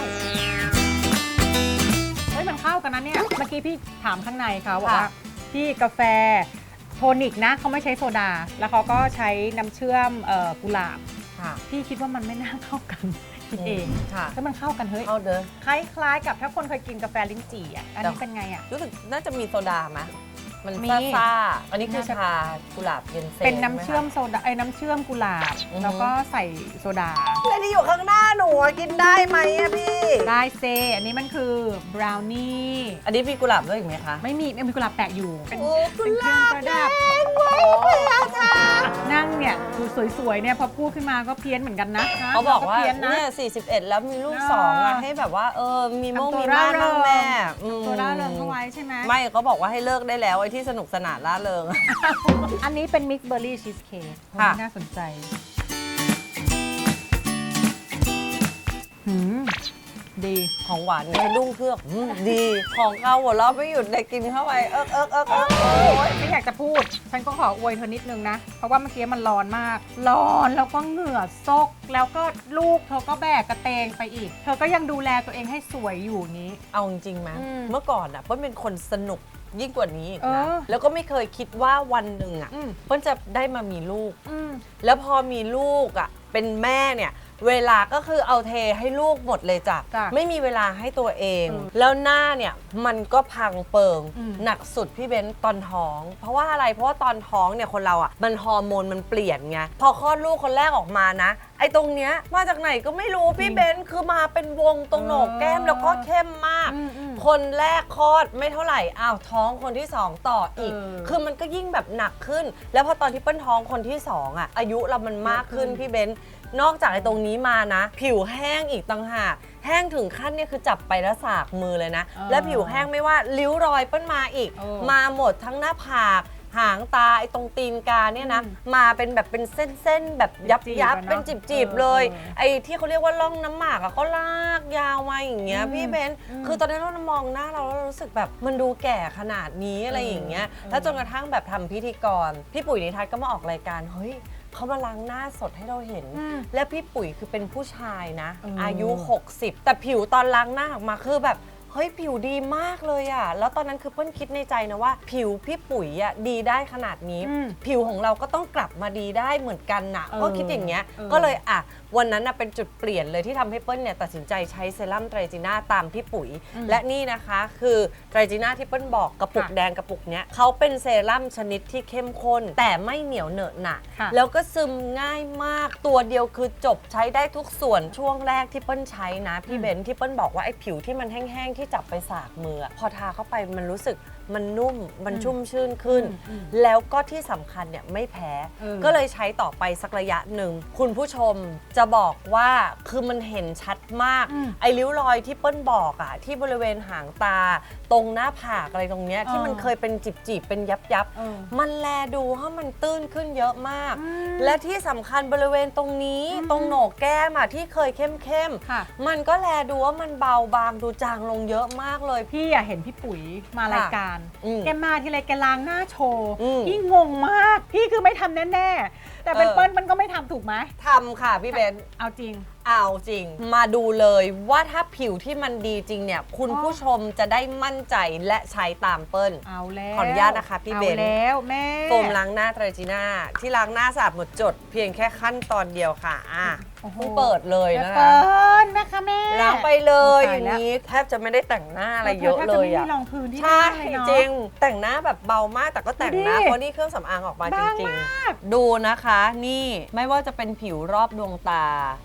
[SPEAKER 4] เฮ้ยมันเข้ากันนะเนี่ย เมื่อกี้พี่ถามข้างในเขาบอกว่า พี่กาแฟโทนิกนะเขาไม่ใช้โซดา แล้วเขาก็ใช้น้ำเชื่อมเอ่อกุหลาบ
[SPEAKER 3] ค่ะ
[SPEAKER 4] พี่คิดว่ามันไม่น่าเข้ากัน คิดเอง
[SPEAKER 3] ค่ะ
[SPEAKER 4] แล้วมันเข้ากันเฮ้ย
[SPEAKER 3] เอาเด้อ
[SPEAKER 4] คล้ายๆกับถ้าคนเคยกินกาแฟลิ้นจี่อ่ะ อันนี้เป็นไงอ่ะ
[SPEAKER 3] รู้สึกน่าจะมีโซดาไหมมัน
[SPEAKER 4] มี
[SPEAKER 3] ซ่าๆอันนี้คือชากุหลาบเย็นเซ
[SPEAKER 4] เป็นน้ำเชื่อมโซดาไอ้น้ำเชื่อมกุหลาบ
[SPEAKER 3] อือฮึ
[SPEAKER 4] แล้วก็ใส่โซดา
[SPEAKER 3] แล้วที่อยู่ข้างหน้าหนูอะกินได้ไหมอะพี่
[SPEAKER 4] ได้เซ อันนี้มันคือบราวนี่
[SPEAKER 3] อันนี้มีกุหลาบด้วยอีกไหมคะ
[SPEAKER 4] ไม่มีไม่มีกุหลาบแปะอยู่ เป็น
[SPEAKER 3] โอ้
[SPEAKER 4] เป็นเครื่องประดับ
[SPEAKER 3] ไว้พยาธา
[SPEAKER 4] นั่งเนี่ยดูสวยๆเนี่ยพอพูดขึ้นมาก็เพี้ยนเหมือนกันนะ
[SPEAKER 3] เขาบอกว่า
[SPEAKER 4] เพี้ยนนะ
[SPEAKER 3] เนี่ยสี่สิบเอ็ดแล้วมีลูก
[SPEAKER 4] เออ
[SPEAKER 3] สองอะให้แบบว่าเออมีโมง
[SPEAKER 4] ทำตัว
[SPEAKER 3] มีม่าน
[SPEAKER 4] ร่าเริ
[SPEAKER 3] บ้าง งแม่อืม
[SPEAKER 4] ตัวร่าเริงเข้าไว้ใช่ไหม
[SPEAKER 3] ไม่เขาบอกว่าให้เลิกได้แล้วไอ้ที่สนุกสนานร่าเริง
[SPEAKER 4] อันนี้เป็นมิกซ์เบอร์รี่ชีสเค้ก
[SPEAKER 3] ค่ะ
[SPEAKER 4] น่าสนใจหืมดี
[SPEAKER 3] ของหวานเนี่ยดุ้งเครือกอืมดีของข้าวหัวเราะไม่หยุดเลยกินเข้าไปเอิกเอิกเอิกเอิก
[SPEAKER 4] โอ๊ยไม่อยากจะพูด ฉันก็ขออวยเธอนิดนึงนะ เพราะว่าเมื่อกี้มันร้อนมาก ร้อนแล้วก็เหงื่อซก แล้วก็ลูกเธอก็แบกกระเตงไปอีก เธอก็ยังดูแลตัวเองให้สวยอยู่นี้
[SPEAKER 3] เอาจริงๆไหม
[SPEAKER 4] อืม
[SPEAKER 3] เมื่อก่อนอ่ะเปิ้ลเป็นคนสนุกยิ่งกว่านี้อีก
[SPEAKER 4] เอ
[SPEAKER 3] นะ
[SPEAKER 4] อ
[SPEAKER 3] แล้วก็ไม่เคยคิดว่าวันหนึ่งอ่ะ
[SPEAKER 4] อืม
[SPEAKER 3] เปิ้ลจะได้มามีลูก
[SPEAKER 4] อืม
[SPEAKER 3] แล้วพอมีลูกอ่ะเป็นแม่เนี่ยเวลาก็คือเอาเทให้ลูกหมดเลยจ้ะ
[SPEAKER 4] จ้ะ
[SPEAKER 3] ไม่มีเวลาให้ตัวเอง
[SPEAKER 4] อืม
[SPEAKER 3] แล้วหน้าเนี่ยมันก็พังเปิง
[SPEAKER 4] อืม
[SPEAKER 3] หนักสุดพี่เบ้นตอนท้อง เพราะว่าอะไรเพราะว่าตอนท้องเนี่ยคนเราอ่ะมันฮอร์โมนมันเปลี่ยนไงพอคลอดลูกคนแรกออกมานะไอ้ตรงเนี้ยมาจากไหนก็ไม่รู้พี่เบ้นคือมาเป็นวงตรงโหนกแก้มแล้วก็เข้มมาก
[SPEAKER 4] อืมอืม
[SPEAKER 3] คนแรกคลอดไม่เท่าไหร่อ้าวท้องคนที่สองต่ออีก
[SPEAKER 4] เออ
[SPEAKER 3] คือมันก็ยิ่งแบบหนักขึ้น แล้วพอตอนที่เปิ้ลท้องคนที่สองอ่ะอายุเรามันมากขึ้น
[SPEAKER 4] เยอะขึ้น
[SPEAKER 3] พี่เบนซ์นอกจากไอ้ตรงนี้มานะ ผิวแห้งอีกต่างหากแห้งถึงขั้นเนี่ยคือจับไปแล้วสากมือเลยนะ
[SPEAKER 4] เออ
[SPEAKER 3] และผิวแห้งไม่ว่าริ้วรอยเปิ้ลมาอีก
[SPEAKER 4] เออ
[SPEAKER 3] มาหมดทั้งหน้าผากหางตาไอ้ตรงตีนกาเนี่ยนะ
[SPEAKER 4] อืม
[SPEAKER 3] มาเป็นแบบเป็นเส้นๆแบบยับ
[SPEAKER 4] จีบ
[SPEAKER 3] ยับ
[SPEAKER 4] อะเนอะ
[SPEAKER 3] เป็นจีบ
[SPEAKER 4] เออ
[SPEAKER 3] ๆเลย
[SPEAKER 4] เออ
[SPEAKER 3] ไอ้ที่เขาเรียกว่าร่องน้ำหมากอะก็ลากยาวมาอย่างเงี้ย
[SPEAKER 4] อืม
[SPEAKER 3] พี่เบนซ์
[SPEAKER 4] อืม
[SPEAKER 3] คือตอนนั้นเรามองหน้าเราแล้วเรารู้สึกแบบมันดูแก่ขนาดนี้อะไรอย่างเงี้ย
[SPEAKER 4] เออ
[SPEAKER 3] แล้วจนกระทั่งแบบทำพิธีกร พี่ปุ๋ยนิทัศน์ก็มาออกรายการ เฮ้ยเขามาล้างหน้าสดให้เราเห็น
[SPEAKER 4] อืม
[SPEAKER 3] และพี่ปุ๋ยคือเป็นผู้ชายนะ
[SPEAKER 4] เอออ
[SPEAKER 3] อายุ หกสิบ แต่ผิวตอนล้างหน้าออกมาคือแบบ เฮ้ยผิวดีมากเลยอะแล้วตอนนั้นคือเพิ่นคิดในใจนะว่า ผิวพี่ปุ๋ยอะดีได้ขนาดนี้
[SPEAKER 4] อืม
[SPEAKER 3] ผิวของเราก็ต้องกลับมาดีได้เหมือนกันนะ
[SPEAKER 4] เออ
[SPEAKER 3] ก็คิดอย่างเงี้ย
[SPEAKER 4] เออ
[SPEAKER 3] ก็เลยอ่ะวันนั้นน่ะเป็นจุดเปลี่ยนเลยที่ทำให้เปิ้ลเนี่ยตัดสินใจใช้เซรั่มไตรจีน่าตามพี่ปุ๋ย
[SPEAKER 4] อืม
[SPEAKER 3] และนี่นะคะคือไตรจีน่าที่เปิ้ลบอกกระปุก
[SPEAKER 4] ค่ะ
[SPEAKER 3] แดงกระปุกเนี้ยเขาเป็นเซรั่มชนิดที่เข้มข้น แต่ไม่เหนียวเหนอะหนะ
[SPEAKER 4] ค่ะ
[SPEAKER 3] แล้วก็ซึมง่ายมากตัวเดียวคือจบใช้ได้ทุกส่วนช่วงแรกที่เปิ้ลใช้นะพี่เบนซ์ที่เปิ้ลบอกว่าไอ้ผิวที่มันแห้งๆที่จับไปสากมืออะพอทาเข้าไปมันรู้สึกมันนุ่มมันชุ่มชื่นขึ้น
[SPEAKER 4] อืม
[SPEAKER 3] แล้วก็ที่สำคัญเนี่ยไม่แพ้
[SPEAKER 4] เออ
[SPEAKER 3] ก็เลยใช้ต่อไปสักระยะหนึ่ง คุณผู้ชมจะบอกว่าคือมันเห็นชัดมาก
[SPEAKER 4] อืม
[SPEAKER 3] ไอ้ริ้วรอยที่เปิ้ลบอกอะที่บริเวณหางตา ตรงหน้าผากอะไรตรงเนี้ย
[SPEAKER 4] เออ
[SPEAKER 3] ที่มันเคยเป็นจิบๆเป็นยับยับๆ
[SPEAKER 4] เออ
[SPEAKER 3] มันแลดูให้มันตื้นขึ้นเยอะมาก
[SPEAKER 4] อืม
[SPEAKER 3] และที่สำคัญบริเวณตรงนี้
[SPEAKER 4] อืม
[SPEAKER 3] ตรงโหนกแก้มอะที่เคยเข้ม
[SPEAKER 4] ค่ะ
[SPEAKER 3] ๆมันก็แลดูว่ามันเบาบางดูจางลงเยอะมากเลย
[SPEAKER 4] พี่อะเห็นพี่ปุ๋ยมารายการ
[SPEAKER 3] อืม
[SPEAKER 4] แกมาทีไรแกล้างหน้าโชว์
[SPEAKER 3] อืม
[SPEAKER 4] พี่งงมาก พี่คือไม่ทำแน่ๆ แต่เป็น
[SPEAKER 3] เออ
[SPEAKER 4] เปิ้ลมันก็ไม่ทำถูกไหม
[SPEAKER 3] ทำค่ะพี่เบน
[SPEAKER 4] เอาจริง
[SPEAKER 3] เอาจริง มาดูเลยว่าถ้าผิวที่มันดีจริงเนี่ย คุณ
[SPEAKER 4] อ๋อ
[SPEAKER 3] ผู้ชมจะได้มั่นใจและใช้ตามเปิ้ล
[SPEAKER 4] เอาแล้ว
[SPEAKER 3] ขออนุญาตนะคะพี่เบน
[SPEAKER 4] อาแล้วแม่
[SPEAKER 3] โฟมล้างหน้าไตรจีน่าที่ล้างหน้าสะอาดหมดจด เพียงแค่ขั้นตอนเดียวค่ะอ่ะ
[SPEAKER 4] โอ้โห
[SPEAKER 3] เพิ่งเปิดเลย
[SPEAKER 4] แม่
[SPEAKER 3] นะ
[SPEAKER 4] เปิ้
[SPEAKER 3] คะ
[SPEAKER 4] ลนะคะแม่
[SPEAKER 3] ล้างไปเลยอ
[SPEAKER 4] ตาย
[SPEAKER 3] ย่าง
[SPEAKER 4] แล้ว
[SPEAKER 3] นี้แทบจะไม่ได้แต่งหน้าอะไรเยอะ
[SPEAKER 4] แทบ
[SPEAKER 3] เล
[SPEAKER 4] จ
[SPEAKER 3] ย
[SPEAKER 4] ไม่
[SPEAKER 3] อ่ะ
[SPEAKER 4] มีรองพื้นที่ห
[SPEAKER 3] ใช่
[SPEAKER 4] น้าเลยเนาะ
[SPEAKER 3] จริง แต่งหน้าแบบเบามากแต่ก็แต่งนะ
[SPEAKER 4] ดูดิ
[SPEAKER 3] เพราะนี่เครื่องสำอางออกมาจ
[SPEAKER 4] บาง
[SPEAKER 3] ริง
[SPEAKER 4] มาก
[SPEAKER 3] ๆ ดูนะคะ นี่ไม่ว่าจะเป็นผิวรอบดวงตา ผ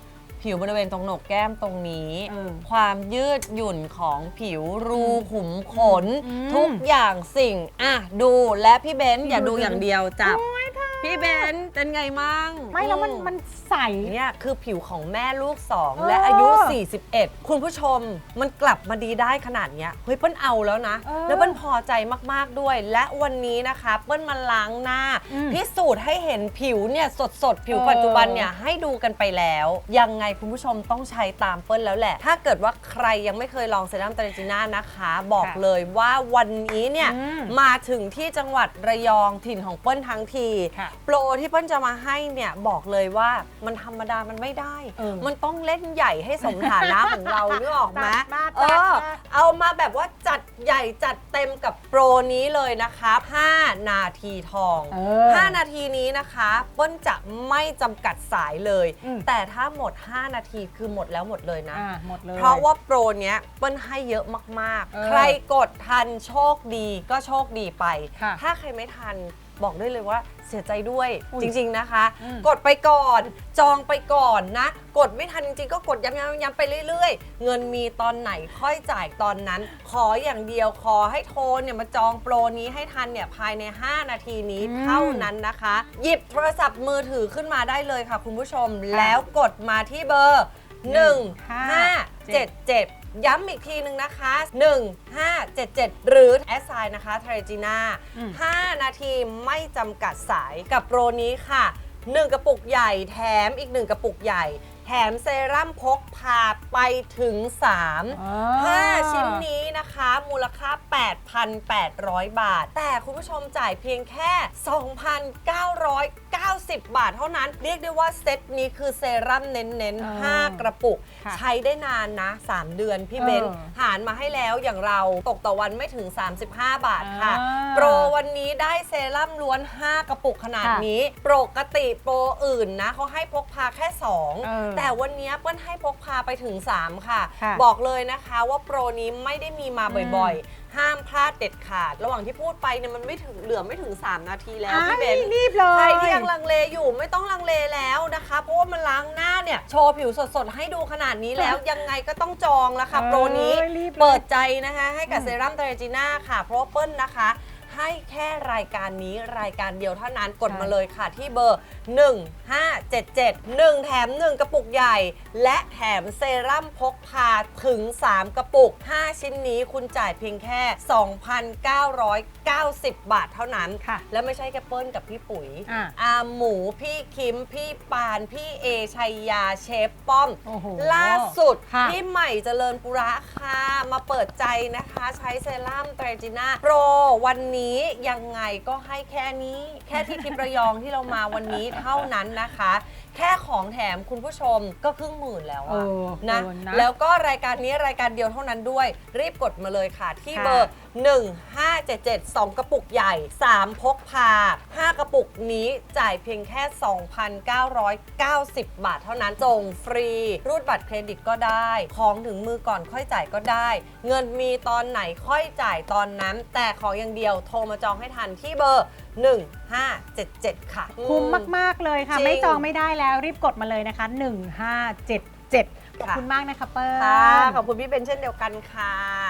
[SPEAKER 3] ผิวบริเวณตรงโหนกแก้มตรงนี้
[SPEAKER 4] เออ
[SPEAKER 3] ความยืดหยุ่นของผิวรูขุมขน
[SPEAKER 4] อืม
[SPEAKER 3] ทุกอย่างสิ่งอ่ะดูและพี่เบนซ์อย่าดูอย่างเดียวจับพี่เบนซ์เป็นไงมั่ง
[SPEAKER 4] ไม่แล้วมันมันใส
[SPEAKER 3] เนี่ยคือผิวของแม่ลูกสอง
[SPEAKER 4] เออ
[SPEAKER 3] และอายุ สี่สิบเอ็ด คุณผู้ชมมันกลับมาดีได้ขนาดเนี้ยเฮ้ยเปิ้ลเอาแล้วนะ
[SPEAKER 4] เออ
[SPEAKER 3] แล้วเปิ้ลพอใจมากๆด้วย และวันนี้นะคะเปิ้ลมาล้างหน้า
[SPEAKER 4] อืม
[SPEAKER 3] พิสูจน์ให้เห็นผิวเนี่ยสดๆ ผิว
[SPEAKER 4] เออ
[SPEAKER 3] ปัจจุบันเนี่ยให้ดูกันไปแล้ว ยังไงคุณผู้ชมต้องใช้ตามเปิ้ลแล้วแหละ ถ้าเกิดว่าใครยังไม่เคยลองเซรั่มเตรจิน่านะคะ บอกเลยว่าวันนี้เนี่ย
[SPEAKER 4] อืม
[SPEAKER 3] มาถึงที่จังหวัดระยองถิ่นของเปิ้ลทั้งที
[SPEAKER 4] ค่ะ
[SPEAKER 3] โปรที่เปิ้ลจะมาให้เนี่ยบอกเลยว่ามันธรรมดามันไม่ได้
[SPEAKER 4] เออ
[SPEAKER 3] มันต้องเล่นใหญ่ให้สมฐานะของเรานึกออกไหม
[SPEAKER 4] จัดมา
[SPEAKER 3] เอ
[SPEAKER 4] จัด
[SPEAKER 3] อ
[SPEAKER 4] มา
[SPEAKER 3] เอามาแบบว่าจัดใหญ่จัดเต็มกับโปรนี้เลยนะครับห้านาทีทอง
[SPEAKER 4] เออ
[SPEAKER 3] ห้านาทีนี้นะคะเปิ้ลจะไม่จำกัดสายเลย
[SPEAKER 4] อืม
[SPEAKER 3] แต่ถ้าหมด ห้า นาทีคือหมดแล้วหมดเลยนะ
[SPEAKER 4] อ่าหมดเลย
[SPEAKER 3] เพราะว่าโปรเนี้ยเปิ้ลให้เยอะมาก
[SPEAKER 4] เออ
[SPEAKER 3] ๆ ใครกดทันโชคดีก็โชคดีไป
[SPEAKER 4] ค่ะ
[SPEAKER 3] ถ้าใครไม่ทันบอกได้เลยว่าเสียใจด้วย
[SPEAKER 4] อุ๊ย
[SPEAKER 3] จริง ๆนะคะ
[SPEAKER 4] อืม
[SPEAKER 3] กดไปก่อน จองไปก่อนนะ กดไม่ทันจริงๆ ก็กดย้ำๆๆไปเรื่อยๆ เงินมีตอนไหนค่อยจ่ายตอนนั้น ขออย่างเดียวขอให้โทรเนี่ยมาจองโปรนี้ให้ทันเนี่ยภายใน ห้า นาทีนี้
[SPEAKER 4] อืม
[SPEAKER 3] เท่านั้นนะคะ หยิบโทรศัพท์มือถือขึ้นมาได้เลยค่ะคุณผู้ชม แล้วกดมาที่เบอร์ หนึ่ง ห้า เจ็ด เจ็ด ย้ำอีกทีนึงนะคะ หนึ่ง ห้า เจ็ด เจ็ด หรือแอสไซน์นะคะเทรจิน่า
[SPEAKER 4] อืม
[SPEAKER 3] ห้า นาทีไม่จำกัดสายกับโปรนี้ค่ะ หนึ่ง กระปุกใหญ่แถมอีก หนึ่ง กระปุกใหญ่ แถมเซรั่มพกพาไปถึง สาม
[SPEAKER 4] อ๋อ
[SPEAKER 3] ห้า ชิ้นนี้นะคะ มูลค่า แปดพันแปดร้อย บาท แต่คุณผู้ชมจ่ายเพียงแค่ สองพันเก้าร้อยเก้าสิบ บาทเท่านั้น เรียกได้ว่าเซตนี้คือเซรั่มเน้น
[SPEAKER 4] เออ
[SPEAKER 3] ๆ ห้า กระปุก
[SPEAKER 4] ค่ะ
[SPEAKER 3] ใช้ได้นานนะ สาม เดือนพี่เบน
[SPEAKER 4] เออ
[SPEAKER 3] หารมาให้แล้วอย่างเราตกต่อวันไม่ถึง สามสิบห้า บาทค่ะ
[SPEAKER 4] อ่า
[SPEAKER 3] โปรวันนี้ได้เซรั่มล้วน ห้า กระปุกขนาด
[SPEAKER 4] ค่ะ
[SPEAKER 3] นี้ ปกติโปรอื่นนะเขาให้พกพาแค่ สอง
[SPEAKER 4] เออ
[SPEAKER 3] แต่วันนี้เปิ้ลให้พกพาไปถึง สาม ค่ะ
[SPEAKER 4] ค่ะ
[SPEAKER 3] บอกเลยนะคะว่าโปรนี้ไม่ได้มีมาบ่อยๆ ห้ามพลาดเด็ดขาด ระหว่างที่พูดไปเนี่ยมันไม่ถึงเหลือไม่ถึง สาม นาทีแล้ว
[SPEAKER 4] อ่า
[SPEAKER 3] พี่เบน
[SPEAKER 4] รีบเลย
[SPEAKER 3] ใครที่ยังลังเลอยู่ไม่ต้องลังเลแล้วนะคะ เพราะว่ามันล้างหน้าเนี่ยโชว์ผิวสดๆ ให้ดูขนาดนี้แล้ว ยังไงก็ต้องจองแล้วค่ะ
[SPEAKER 4] เออ
[SPEAKER 3] โปรนี้
[SPEAKER 4] รีบเลย
[SPEAKER 3] เปิดใจนะคะให้กับ
[SPEAKER 4] อืม
[SPEAKER 3] เซรั่มเทรจิน่าค่ะ เพราะว่าเปิ้ลนะคะ ให้แค่รายการนี้รายการเดียวเท่านั้นกดมาเลยค่ะที่เบอร์ หนึ่ง ห้า เจ็ด เจ็ด หนึ่ง แถม หนึ่ง กระปุกใหญ่ และแถมเซรั่มพกพาถึง สาม กระปุก ห้า ชิ้นนี้คุณจ่ายเพียงแค่ สองพันเก้าร้อยเก้าสิบ บาทเท่านั้น
[SPEAKER 4] ค่ะ
[SPEAKER 3] และไม่ใช่แค่เปิ้ลกับพี่ปุ๋ย
[SPEAKER 4] อ่ะ
[SPEAKER 3] อาหมูพี่คิม พี่ปาน พี่เอชัยยาเชฟป้อม
[SPEAKER 4] โอ้โห
[SPEAKER 3] ล่าสุด
[SPEAKER 4] ค่ะ
[SPEAKER 3] พี่ใหม่เจริญปุระค่ะ มาเปิดใจนะคะใช้เซรั่มเทรจิน่าโปรวันนี้ยังไงก็ให้แค่นี้ แค่ที่ทิประยองที่เรามาวันนี้เท่านั้นนะคะ แค่ของแถมคุณผู้ชมก็ครึ่งหมื่นแล้ว
[SPEAKER 4] เอ
[SPEAKER 3] อะ
[SPEAKER 4] อ
[SPEAKER 3] นะ
[SPEAKER 4] เออนะ
[SPEAKER 3] แล้วก็รายการนี้รายการเดียวเท่านั้นด้วย รีบกดมาเลยค่ะ ที่
[SPEAKER 4] ค่ะ
[SPEAKER 3] เบอร์ หนึ่ง ห้า เจ็ด เจ็ด สอง กระปุกใหญ่ สาม พกพา ห้า กระปุกนี้จ่ายเพียงแค่ สองพันเก้าร้อยเก้าสิบ บาทเท่านั้นส่งฟรี รูดบัตรเครดิตก็ได้ ของถึงมือก่อนค่อยจ่ายก็ได้ เงินมีตอนไหนค่อยจ่ายตอนนั้น แต่ขออย่างเดียวโทรมาจองให้ทันที่เบอร์ หนึ่ง ห้า เจ็ด เจ็ด ค่ะ
[SPEAKER 4] คุ้มมาก ๆ เลยค่ะ
[SPEAKER 3] จริง
[SPEAKER 4] ไม่จองไม่ได้แล้วรีบกดมาเลยนะคะ หนึ่ง ห้า เจ็ด เจ็ด ขอบคุณมากนะคะเปิ้ล
[SPEAKER 3] ค่ะขอบคุณพี่เบนเช่นเดียวกันค่ะ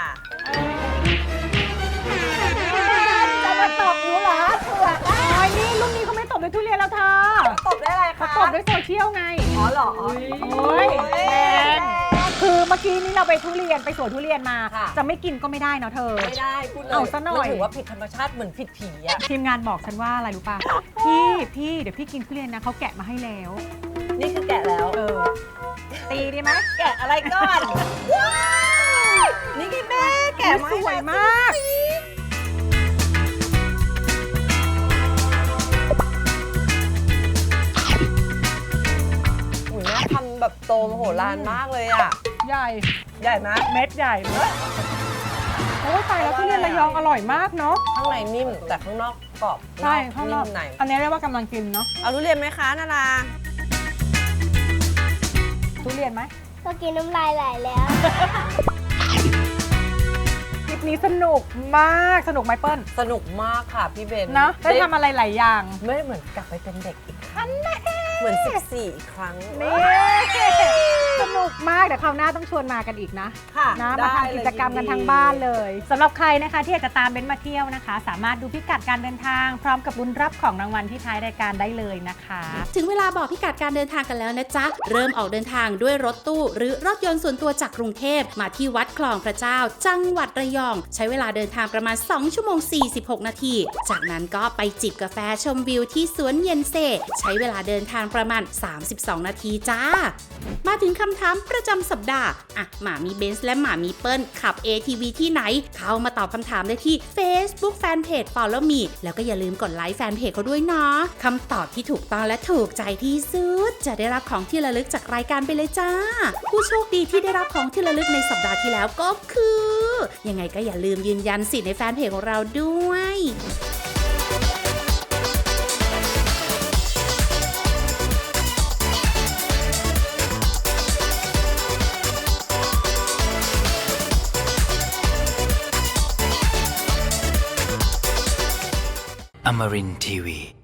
[SPEAKER 4] จะมาตบหนูเหรอเผือกอ้ายนี่รุ่นนี้เขาไม่ตบด้วยทุเรียนแล้วเธอ
[SPEAKER 3] ตบได้อะไร
[SPEAKER 4] เขา
[SPEAKER 3] คะ
[SPEAKER 4] ตบด้วยโซเชียลไง
[SPEAKER 3] อ๋อเหรอ
[SPEAKER 4] โอ้ยแรงคือเมื่อกี้นี้เราไปทุเรียนไปสวนทุเรียนมา
[SPEAKER 3] ค่ะ
[SPEAKER 4] จะไม่กินก็ไม่ได้เนาะเธอ
[SPEAKER 3] ไม่ได้พูดเลย
[SPEAKER 4] เอาซะหน่อย
[SPEAKER 3] มันถือว่าผิดธรรมชาติเหมือนผิดผีอะ
[SPEAKER 4] ทีมงานบอกฉันว่าอะไรรู้ป่ะ พี่พี่เดี๋ยวพี่กินทุเรียนนะเขาแกะมาให้แล้ว
[SPEAKER 3] นี่คือแกะแล้ว
[SPEAKER 4] เออ ตีดีไหม
[SPEAKER 3] แกะอะไรก่อนว้าวนี่ไงแม่แกะมา
[SPEAKER 4] สวยมาก
[SPEAKER 3] อุ้ยแม่ทำแบบโตมโหฬารมากเลยอะ
[SPEAKER 4] ใหญ่
[SPEAKER 3] ใหญ่ไหม
[SPEAKER 4] เม็ดใหญ่มากโอ้ยตายแล้วทุเรียนระยองอร่อยมากเนาะ
[SPEAKER 3] ข้างในนิ่มแต่ข้างนอกกรอบ
[SPEAKER 4] ใช่ข้างนอก
[SPEAKER 3] มใน
[SPEAKER 4] อันนี้เรียกว่ากำลังกินเนาะ
[SPEAKER 3] เอาทุเรียนไหมคะนารา
[SPEAKER 4] ทุเรียนไหม
[SPEAKER 11] เมื่อกี้น้ำลายไหลแล้ว
[SPEAKER 4] คลิปนี้สนุกมากสนุกไหมเปิ้ล
[SPEAKER 3] สนุกมากค่ะพี่เบน
[SPEAKER 4] เนาะได้ทำอะไรหลายอย่าง
[SPEAKER 3] ไม่ได้เหมือนกลับไปเป็นเด็กอีกครั้งเหมือนสิบสี่อีกครั้ง
[SPEAKER 4] นี่สนุกมากเดี๋ยวคราวหน้าต้องชวนมากันอีกนะ
[SPEAKER 3] ค่ะ
[SPEAKER 4] นะ
[SPEAKER 3] ได้
[SPEAKER 4] มาทำกิจกรรมกัน
[SPEAKER 3] เลย
[SPEAKER 4] ทั้งบ้านเลยสำหรับใครนะคะที่อยากจะตามเบนซ์มาเที่ยวนะคะ สามารถดูพิกัดการเดินทาง พร้อมกับลุ้นรับของรางวัลที่ท้ายรายการได้เลยนะคะ
[SPEAKER 7] ถึงเวลาบอกพิกัดการเดินทางกันแล้วนะจ๊ะ เริ่มออกเดินทางด้วยรถตู้ หรือรถยนต์ส่วนตัวจากกรุงเทพมาที่วัดคลองพระเจ้า จังหวัดระยอง ใช้เวลาเดินทางประมาณ สองชั่วโมงสี่สิบหก นาที จากนั้นก็ไปจิบกาแฟชมวิวที่สวนเย็นเซ่ใช้เวลาเดินทางประมาณ สามสิบสอง นาทีจ้า มาถึงคำถามประจำสัปดาห์อ่ะหมามีเบนซ์และหมามีเปิ้ลขับ เอ ที วี ที่ไหน เข้ามาตอบคำถามได้ที่ Facebook Fanpage Follow Me แล้วก็อย่าลืมกดไลค์แฟนเพจเขาด้วยเนาะคำตอบที่ถูกต้องและถูกใจที่สุดจะได้รับของที่ระลึกจากรายการไปเลยจ้า ผู้โชคดีที่ได้รับของที่ระลึกในสัปดาห์ที่แล้วก็คือ ยังไงก็อย่าลืมยืนยันสิทธิ์ในแฟนเพจของเราด้วย
[SPEAKER 12] Amarin Tiwi.